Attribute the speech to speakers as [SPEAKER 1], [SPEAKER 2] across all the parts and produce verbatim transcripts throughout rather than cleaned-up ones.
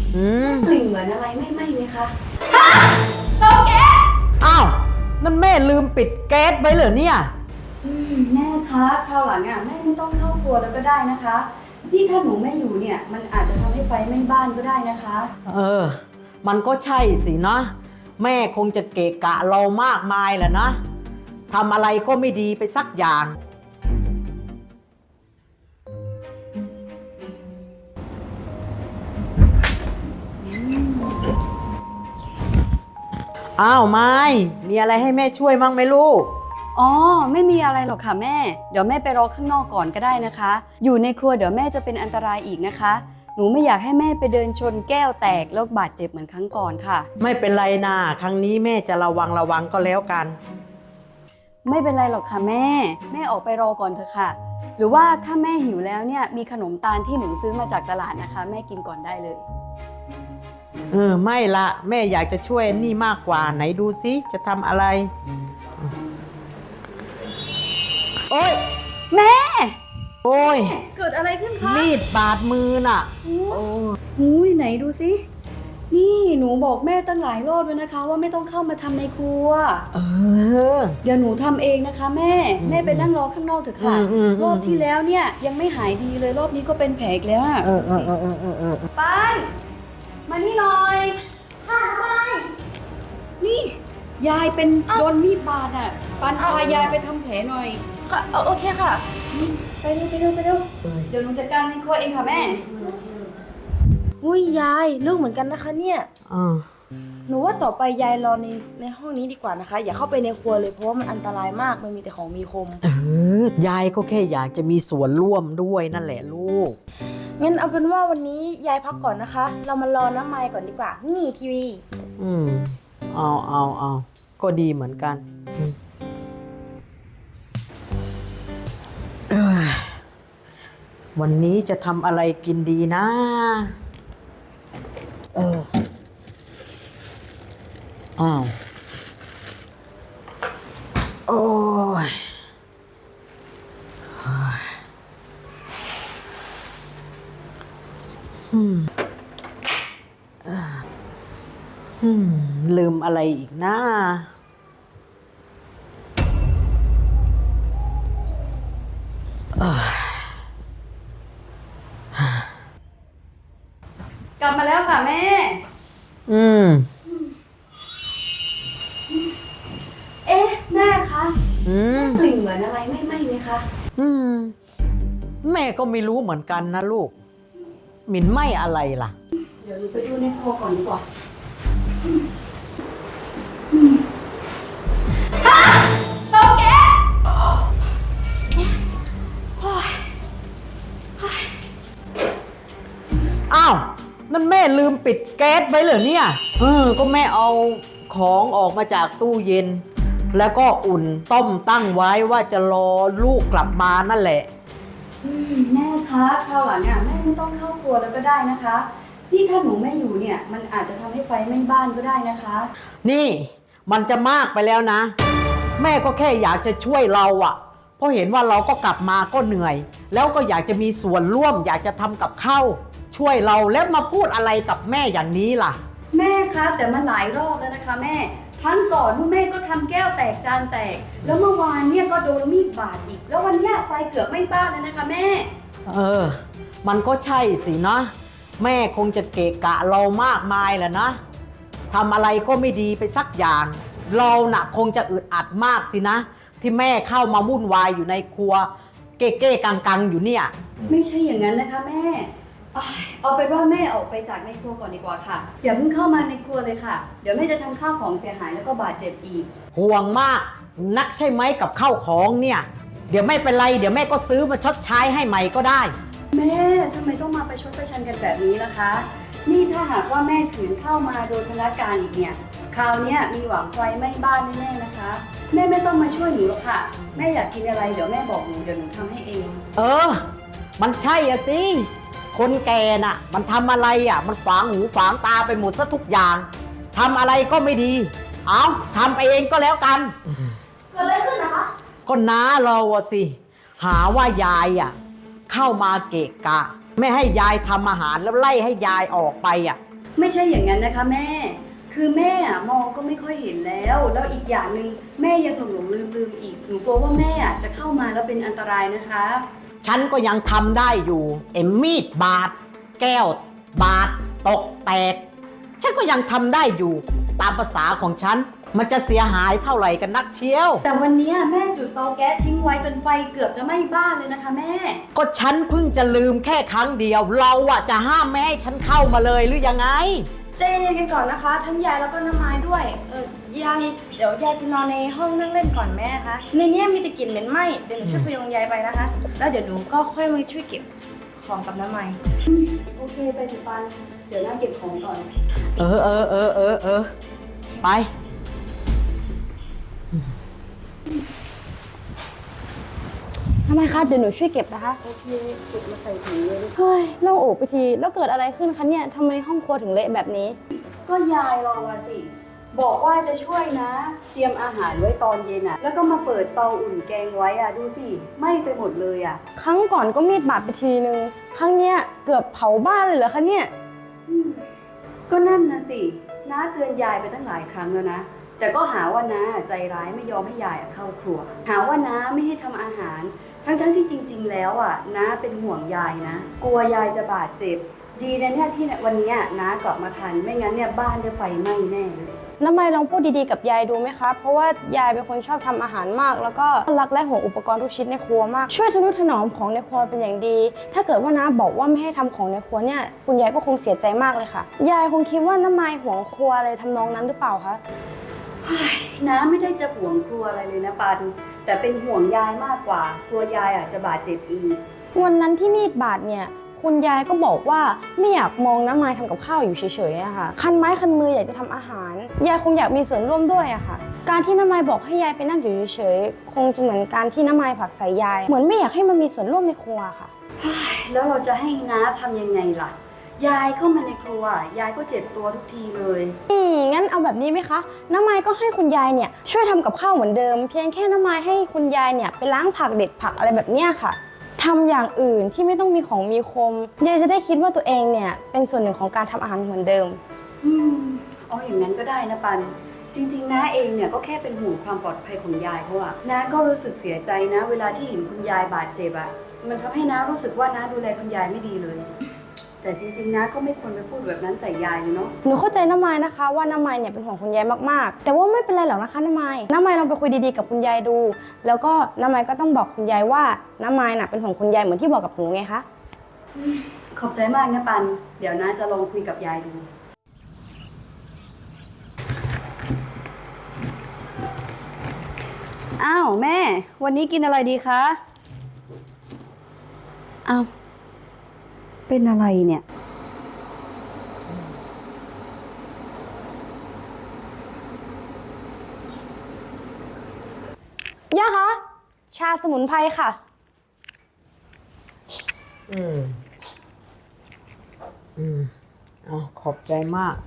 [SPEAKER 1] อืม
[SPEAKER 2] กลิ่นเหมือนอะไรไม่ไหม้ไหมคะ
[SPEAKER 1] เตาแก๊สอ้าวนั่นแม่ลืมปิดแก๊สไว้เหรอเนี่ย
[SPEAKER 2] แม่คะคราวหลังอ่ะแม่ไม่ต้องเข้าครัวแล้วก็ได้นะคะที่ถ้าหนูไม่อยู่เนี่ยมันอาจจะทำให้ไฟไหม้บ้านก็ได้นะคะ
[SPEAKER 1] เออมันก็ใช่สินะแม่คงจะเกะกะเรามากมายแหละนะทำอะไรก็ไม่ดีไปสักอย่างอ้าวไม่มีอะไรให้แม่ช่วยบ้างไหมลูก
[SPEAKER 2] อ๋อไม่มีอะไรหรอกค่ะแม่เดี๋ยวแม่ไปรอข้างนอกก่อนก็ได้นะคะอยู่ในครัวเดี๋ยวแม่จะเป็นอันตรายอีกนะคะหนูไม่อยากให้แม่ไปเดินชนแก้วแตกแล้วบาดเจ็บเหมือนครั้งก่อนค่ะ
[SPEAKER 1] ไม่เป็นไรนะครั้งนี้แม่จะระวังระวังก็แล้วกัน
[SPEAKER 2] ไม่เป็นไรหรอกค่ะแม่แม่ออกไปรอก่อนเถอะค่ะหรือว่าถ้าแม่หิวแล้วเนี่ยมีขนมตาลที่หนูซื้อมาจากตลาดนะคะแม่กินก่อนได้เลย
[SPEAKER 1] เออไม่ละแม่อยากจะช่วยนี่มากกว่าไหนดูซิจะทำอะไรโอ๊ย
[SPEAKER 2] แม่
[SPEAKER 1] โอ๊ย
[SPEAKER 2] เกิดอะไรขึ้นคะ
[SPEAKER 1] มีดบาดมือน่ะ
[SPEAKER 2] โอ้หูยไหนดูสินี่หนูบอกแม่ตั้งหลายรอบแล้วนะคะว่าไม่ต้องเข้ามาทำในครัว
[SPEAKER 1] เออ
[SPEAKER 2] เดี๋ยวหนูทำเองนะคะแม่แม่ไปนั่งรอข้างนอกเถอะค่ะรอบที่แล้วเนี่ยยังไม่หายดีเลยรอบนี้ก็เป็นแผลอีกแล้วอะ
[SPEAKER 1] เออเออเออเออเออ
[SPEAKER 2] ป้านมานี่หน่อย
[SPEAKER 3] ค่ะทำไม
[SPEAKER 2] นี่ยายเป็นโดนมีดบาดอ่ะปันพายายไปทำแผลหน่อย
[SPEAKER 3] ค่ะโอเคค่ะ
[SPEAKER 2] ไปเร็วไปเร็วไปเร็วเดี๋ยวหนูจัดการในครัวเองค่ะแม่
[SPEAKER 3] อุ้ยยายลูกเหมือนกันนะคะเนี่ย
[SPEAKER 1] อ่า
[SPEAKER 3] หนูว่าต่อไปยายรอในในห้องนี้ดีกว่านะคะอย่าเข้าไปในครัวเลยเพราะว่ามันอันตรายมากมันมีแต่ของมีคม
[SPEAKER 1] เออยายก็แค่อยากจะมีส่วนร่วมด้วยนั่นแหละลูก
[SPEAKER 3] งั้นเอาเป็นว่าวันนี้ยายพักก่อนนะคะเรามารอน้ำไม้ก่อนดีกว่านี่ทีวี
[SPEAKER 1] อืมเอาเอาเอาก็ดีเหมือนกันเออวันนี้จะทำอะไรกินดีนะเอออ้าวโอ้ยอืมอืมลืมอะไรอีกนะ
[SPEAKER 2] กลับมาแล้วค่ะแม่
[SPEAKER 1] อืม
[SPEAKER 2] เอ๊ะแม่คะ
[SPEAKER 1] อืม
[SPEAKER 2] กลิ่นเหมือนอะไรไม่ไหม้ไหมคะ
[SPEAKER 1] อืมแม่ก็ไม่รู้เหมือนกันนะลูกหมิ่นไหม้อะไรล่ะ
[SPEAKER 2] เดี๋ยวหนูไปดูในครัวก่อนดีกว่าเตาแก๊ส
[SPEAKER 1] อ้าวนั่นแม่ลืมปิดแก๊สไว้เหรอเนี่ยเออก็แม่เอาของออกมาจากตู้เย็นแล้วก็อุ่นต้มตั้งไว้ว่าจะรอลูกกลับมานั่นแหละ
[SPEAKER 2] แม่คะคราวหลังอ่ะแม่ไม่ต้องเข้าครัวแล้วก็ได้นะคะที่ถ้าหนูไม่อยู่เนี่ยมันอาจจะทำให้ไฟไหม้บ้านก็ได้นะคะ
[SPEAKER 1] นี่มันจะมากไปแล้วนะแม่ก็แค่อยากจะช่วยเราอะเพราะเห็นว่าเราก็กลับมาก็เหนื่อยแล้วก็อยากจะมีส่วนร่วมอยากจะทำกับข้าวช่วยเราแล้วมาพูดอะไรกับแม่อย่างนี้ล่ะ
[SPEAKER 2] แม่คะแต่มันหลายรอบแล้วนะคะแม่ครั้งก่อนแม่ก็ทำแก้วแตกจานแตกแล้วเมื่อวานเนี่ยก็โดนมีดบาดอีกแล้ววันนี้ไฟเกือบไหม้บ้านเลยนะคะแม่
[SPEAKER 1] เออมันก็ใช่สินะแม่คงจะเกะกะเรามากมายแหละนะทำอะไรก็ไม่ดีไปสักอย่างเราน่ะคงจะอึดอัดมากสินะที่แม่เข้ามาวุ่นวายอยู่ในครัวเก้เก้กังกังอยู่เนี่ย
[SPEAKER 2] ไม่ใช่อย่างนั้นนะคะแม่เอาเป็นว่าแม่ออกไปจากในครัวก่อนดีกว่าค่ะอย่าเพิ่งเข้ามาในครัวเลยค่ะเดี๋ยวแม่จะทำข้าวของเสียหายแล้วก็บาดเจ็บอีก
[SPEAKER 1] ห่วงมากนักใช่ไหมกับข้าวของเนี่ยเดี๋ยวไม่เป็นไรเดี๋ยวแม่ก็ซื้อมาชดใช้ให้ใหม่ก็ได้
[SPEAKER 2] แม่ทำไมต้องมาประชดประชันกันแบบนี้ล่ะคะนี่ถ้าหากว่าแม่ขืนเข้ามาโดนพนักงานอีกเนี่ยคราวนี้มีหวังไฟไหม้บ้านแน่ๆนะคะแม่ไม่ต้องมาช่วยหนูหรอกค่ะแม่อยากกินอะไรเดี๋ยวแม่บอกหนูเดี๋ยวหนูทำให้เอง
[SPEAKER 1] เออมันใช่อะสิคนแก่น่ะมันทำอะไรอ่ะมันฝังหูฝังตาไปหมดซะทุกอย่างทำอะไรก็ไม่ดีเอาทำเองก็แล้วกัน
[SPEAKER 3] เกิดอะไรขึ้นนะคะ
[SPEAKER 1] ก็น้าเราอะสิหาว่ายายอ่ะเข้ามาเกะกะไม่ให้ยายทำอาหารแล้วไล่ให้ยายออกไปอ่ะ
[SPEAKER 2] ไม่ใช่อย่างนั้นนะคะแม่ คือแม่อะมองก็ไม่ค่อยเห็นแล้ว แล้วอีกอย่างหนึ่งแม่ยังหลงหลงลืมลืมๆอีก หนูกลัวว่าแม่อะจะเข้ามาแล้วเป็นอันตรายนะคะ
[SPEAKER 1] ฉันก็ยังทำได้อยู่เอ็มมีดบาดแก้ว บาดตกแตก ฉันก็ยังทำได้อยู่ตามภาษาของฉัน มันจะเสียหายเท่าไหร่กันนักเชียว
[SPEAKER 2] แต่วันเนี้ยแม่จุดเตาแก๊สทิ้งไว้จนไฟเกือบจะไหม้บ้านเลยนะคะแม่
[SPEAKER 1] ก็ฉันเพิ่งจะลืมแค่ครั้งเดียว เราอะจะห้ามไม่ให้ฉันเข้ามาเลยหรือยังไง
[SPEAKER 3] ใจเย็นๆกันก่อนนะคะ ทั้งยายแล้วก็น้ำไม้ด้วย เออยายเดี๋ยวยายไปนอนในห้องนั่งเล่นก่อนแม่คะในเนี้ยมีแต่กลิ่นเหม็นไหม้เดี๋ยวหนูช่วยพยุงยายไปนะคะ แล้วเดี๋ยวหนูก็ค่อยมาช่วยเก็บของกับน้ำไม้
[SPEAKER 2] โอเคไปถึงปัน เดี๋ยวนั่งเก็บของก่อน
[SPEAKER 1] เออเออเออเออเออไป
[SPEAKER 3] น้ำไม้คะเดี๋ยวหนูช่วยเก็บนะคะ
[SPEAKER 2] โอเคเก็บมาใส่ถุงเลย
[SPEAKER 3] เฮ้ยโล่งอกไปทีแล้วเกิดอะไรขึ้นคะเนี่ยทำไมห้องครัวถึงเละแบบนี้
[SPEAKER 2] ก็ยายเราอะสิ บอกว่าจะช่วยนะ เตรียมอาหารไว้ตอนเย็นอะแล้วก็มาเปิดเตาอุ่นแกงไว้อะดูสิไหม้ไปหมดเลยอะ
[SPEAKER 3] ครั้งก่อนก็มีดบาดไปทีนึงครั้งเนี้ยเกือบเผาบ้านเลยเหรอคะเนี่ย
[SPEAKER 2] อืมก็นั่นนะสิน้าเตือนยายไปตั้งหลายครั้งแล้วนะ แต่ก็หาว่าน้าใจร้ายไม่ยอมให้ยายอะเข้าครัว หาว่าน้าไม่ให้ทำอาหาร ทั้งๆที่จริง ๆ แล้วอ่ะน้าเป็นห่วงยายนะ กลัวยายจะบาดเจ็บ ดีนะเนี่ยที่วันเนี้ยน้ากลับมาทัน ไม่งั้นเนี่ยบ้านจะไฟไหม้แน่เลย
[SPEAKER 3] น้ำไม้ลองพูดดีๆกับยายดูไหมคะ เพราะว่ายายเป็นคนชอบทำอาหารมาก แล้วก็รักและห่วงอุปกรณ์ทุกชิ้นในครัวมาก ช่วยทนุถนอมของในครัวเป็นอย่างดี ถ้าเกิดว่าน้าบอกว่าไม่ให้ทำของในครัวเนี่ยคุณยายก็คงเสียใจมากเลยค่ะ ยายคงคิดว่าน้ำไม้ห่วงครัวอะไรทำนองนั้นหรือเปล่าคะ
[SPEAKER 2] น้าไม่ได้จะห่วงครัวอะไรเลยนะปัน แต่เป็นห่วงยายมากกว่า กลัวยายอ่ะจะบาดเจ็บอีก
[SPEAKER 3] วันนั้นที่มีดบาดเนี่ยคุณยายก็บอกว่าไม่อยากมองน้ำไม้ทำกับข้าวอยู่เฉยๆอะค่ะคันไม้คันมืออยากจะทำอาหารยายคงอยากมีส่วนร่วมด้วยอะค่ะ การที่น้ำไม้บอกให้ยายไปนั่งอยู่เฉยๆคงจะเหมือนการที่น้ำไม้ผลักใส่ยายเหมือนไม่อยากให้มันมีส่วนร่วมในครัวค่ะ
[SPEAKER 2] แล้วเราจะให้น้าทำยังไงล่ะ ยายเข้ามาในครัว ยายก็เจ็บตัวทุกทีเลย
[SPEAKER 3] อืมงั้นเอาแบบนี้ไหมคะน้ำไม้ก็ให้คุณยายเนี่ยช่วยทำกับข้าวเหมือนเดิม เพียงแค่น้ำไม้ให้คุณยายเนี่ยไปล้างผักเด็ดผักอะไรแบบเนี้ยค่ะทำอย่างอื่นที่ไม่ต้องมีของมีคมยายจะได้คิดว่าตัวเองเนี่ยเป็นส่วนหนึ่งของการทำอาหารเหมือนเดิม
[SPEAKER 2] อืมเอาอย่างนั้นก็ได้นะปัน จริงๆน้าเองเนี่ยก็แค่เป็นห่วงความปลอดภัยของยายเขาอะน้าก็รู้สึกเสียใจนะ เวลาที่เห็นคุณยายบาดเจ็บอะมันทำให้น้ารู้สึกว่าน้าดูแลคุณยายไม่ดีเลย แต่จริงๆน้าก็ไม่ควรไปพูดแบบนั้นใส่ยายเลยเนาะ
[SPEAKER 3] หนูเข้าใจน้ำไม้นะคะว่าน้ำไม้เนี่ยเป็นห่วงคุณยายมากๆ แต่ว่าไม่เป็นไรหรอกนะคะน้ำไม้น้ำไม้ลองไปคุยดีๆกับคุณยายดู แล้วก็น้ำไม้ก็ต้องบอกคุณยายว่าน้ำไม้น่ะเป็นห่วงคุณยายเหมือนที่บอกกับหนูไงคะ
[SPEAKER 2] ขอบใจมากนะปัน เดี๋ยวน้าจะลองคุยกับยายดู อ้าวแม่ วันนี้กินอะไรดีคะ อ้าว เป็นอะไรเนี่ย
[SPEAKER 3] ย่าคะ ชาสมุนไพรค่ะ
[SPEAKER 1] อืม อืมเอาขอบใจมาก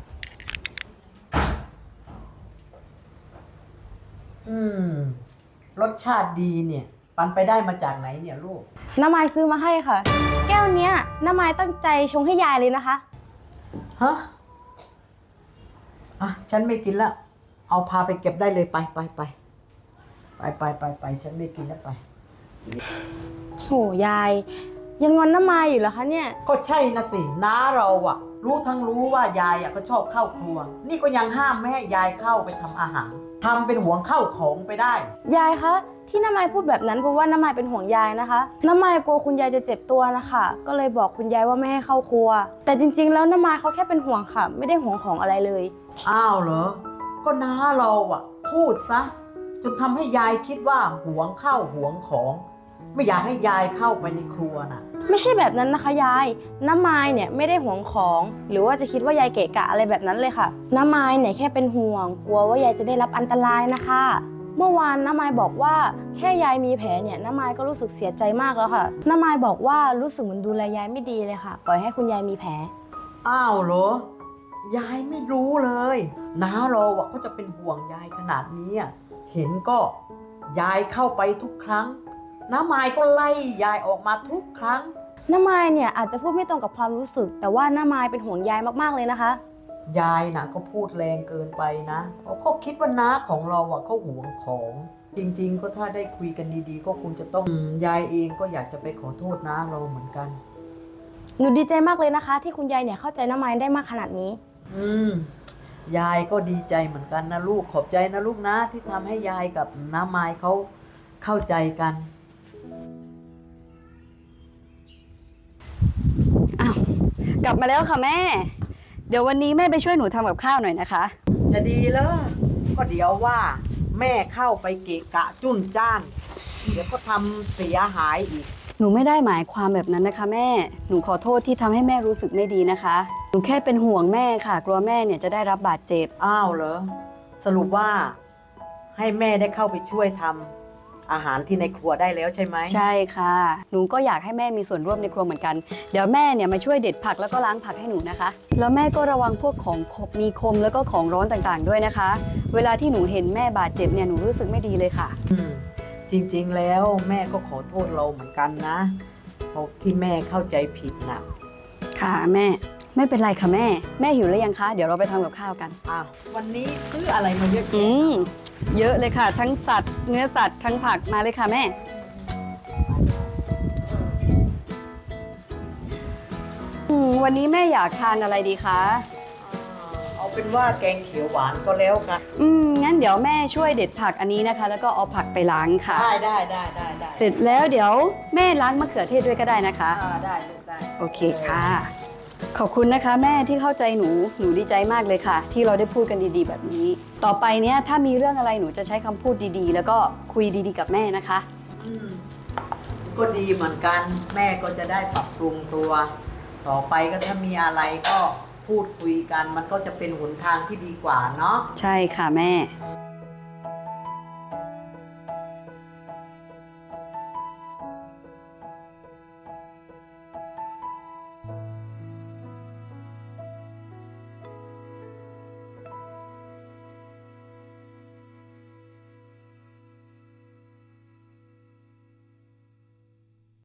[SPEAKER 1] อืม รสชาติดีเนี่ย ปันไปได้มาจากไหนเนี่ยลูก
[SPEAKER 3] น้ำไม้ซื้อมาให้ค่ะ แก้วเนี้ยน้ำไม้ตั้งใจชงให้ยายเลยนะคะ
[SPEAKER 1] ฮะ อ่ะ ฉันไม่กินละ เอาพาไปเก็บได้เลยไปไปไปไปไปไปไปฉันไม่กินแล้วไป
[SPEAKER 3] โหยาย ยังงอนน้ำไม้อยู่เหรอคะเนี่ย
[SPEAKER 1] ก็ใช่นะสิน้าเราอะรู้ทั้งรู้ว่ายายอะก็ชอบเข้าครัว นี่ก็ยังห้ามไม่ให้ยายเข้าไปทำอาหารทำเป็นห่วงเข้าของไปได้
[SPEAKER 3] ยายคะที่น้ำไม้พูดแบบนั้นเพราะว่าน้ำไม้เป็นห่วงยายนะคะ น้ำไม้กลัวคุณยายจะเจ็บตัวนะคะก็เลยบอกคุณยายว่าไม่ให้เข้าครัว แต่จริงๆแล้วน้ำไม้เขาแค่เป็นห่วงค่ะ ไม่ได้ห่วงของอะไรเลย
[SPEAKER 1] อ้าวเหรอ ก็น้าเราอะพูดซะจนทำให้ยายคิดว่าหวงข้าวหวงของ ไม่อยากให้ยายเข้าไปในครัวน่ะ
[SPEAKER 3] ไม่ใช่แบบนั้นนะคะยายน้ำไม้เนี่ยไม่ได้ห่วงของ หรือว่าจะคิดว่ายายเกะกะอะไรแบบนั้นเลยค่ะ น้ำไม้เนี่ยแค่เป็นห่วง กลัวว่ายายจะได้รับอันตรายนะคะ เมื่อวานน้ำไม้บอกว่าแค่ยายมีแผลเนี่ยน้ำไม้ก็รู้สึกเสียใจมากแล้วค่ะน้ำไม้บอกว่ารู้สึกเหมือนดูแลยายไม่ดีเลยค่ะ ปล่อยให้คุณยายมีแผล
[SPEAKER 1] อ้าวเหรอ ยายไม่รู้เลยน้าเราอะก็จะเป็นห่วงยายขนาดนี้อะเห็นก็ยายเข้าไปทุกครั้งน้าไม้ก็ไล่ยายออกมาทุกครั้ง
[SPEAKER 3] น้ำไม้เนี่ยอาจจะพูดไม่ตรงกับความรู้สึก แต่ว่าน้ำไม้เป็นห่วงยายมากๆเลยนะคะ
[SPEAKER 1] ยายน่ะก็พูดแรงเกินไปนะเพราะเขาคิดว่าน้าของเราอ่ะเขาหวงของ จริงๆก็ถ้าได้คุยกันดีๆ ก็คงจะต้องอืมยายเองก็อยากจะไปขอโทษน้าเราเหมือนกัน
[SPEAKER 3] หนูดีใจมากเลยนะคะ ที่คุณยายเนี่ยเข้าใจน้ำไม้ได้มากขนาดนี้
[SPEAKER 1] อืมยายก็ดีใจเหมือนกันนะลูกขอบใจนะลูกนะที่ทำให้ยายกับน้าไม้เขาเข้าใจกัน
[SPEAKER 2] อ้าวกลับมาแล้วค่ะแม่ เดี๋ยววันนี้แม่ไปช่วยหนูทำกับข้าวหน่อยนะคะ
[SPEAKER 1] จะดีเลยก็เดี๋ยวว่า แม่เข้าไปเกะกะจุ้นจ้าน เดี๋ยวก็ทำเสียหายอีก
[SPEAKER 2] หนูไม่ได้หมายความแบบนั้นนะคะแม่ หนูขอโทษที่ทำให้แม่รู้สึกไม่ดีนะคะ หนูแค่เป็นห่วงแม่ค่ะ กลัวแม่เนี่ยจะได้รับบาดเจ็บ
[SPEAKER 1] อ้าวเหรอสรุปว่าให้แม่ได้เข้าไปช่วยทำอาหารที่ในครัวได้แล้วใช่ไหม
[SPEAKER 2] ใช่ค่ะ หนูก็อยากให้แม่มีส่วนร่วมในครัวเหมือนกัน เดี๋ยวแม่เนี่ยมาช่วยเด็ดผักแล้วก็ล้างผักให้หนูนะคะ แล้วแม่ก็ระวังพวกของขบมีคมแล้วก็ของร้อนต่างๆด้วยนะคะ เวลาที่หนูเห็นแม่บาดเจ็บเนี่ยหนูรู้สึกไม่ดีเลยค่ะ
[SPEAKER 1] อืมจริงๆแล้วแม่ก็ขอโทษเราเหมือนกันนะเพราะที่แม่เข้าใจผิดนะ
[SPEAKER 2] ค่ะแม่ ไม่เป็นไรค่ะแม่ แม่หิวหรือยังคะ เดี๋ยวเราไปทำกับข้าวกัน
[SPEAKER 1] อ่ะวันนี้ซื้ออะไรมาเยอะ
[SPEAKER 2] อื
[SPEAKER 1] แยะ
[SPEAKER 2] มเยอะเลยค่ะ ทั้งสัตว์ เนื้อสัตว์ทั้งผักมาเลยค่ะแม่ อืมวันนี้แม่อยากทานอะไรดีคะ
[SPEAKER 1] เอาเป็นว่าแกงเขียวหวานก็แล้วกัน
[SPEAKER 2] อืมงั้นเดี๋ยวแม่ช่วยเด็ดผักอันนี้นะคะ แล้วก็เอาผักไปล้างค่ะ
[SPEAKER 1] ได้ได้ได้ได้ได้
[SPEAKER 2] เสร็จแล้วเดี๋ยวแม่ล้างมะเขือเทศด้วยก็ได้นะคะ
[SPEAKER 1] อ่าได้ลูกได้
[SPEAKER 2] โอเคค่ะ ขอบคุณนะคะแม่ที่เข้าใจหนู หนูดีใจมากเลยค่ะ ที่เราได้พูดกันดีๆ แบบนี้ ต่อไปเนี้ยถ้ามีเรื่องอะไรหนูจะใช้คำพูดดีๆ แล้วก็คุยดีๆกับแม่นะคะ
[SPEAKER 1] อืมก็ดีเหมือนกัน แม่ก็จะได้ปรับปรุงตัว ต่อไปก็ถ้ามีอะไรก็พูดคุยกัน มันก็จะเป็นหนทางที่ดีกว่าเนาะ
[SPEAKER 2] ใช่ค่ะแม่
[SPEAKER 1] อ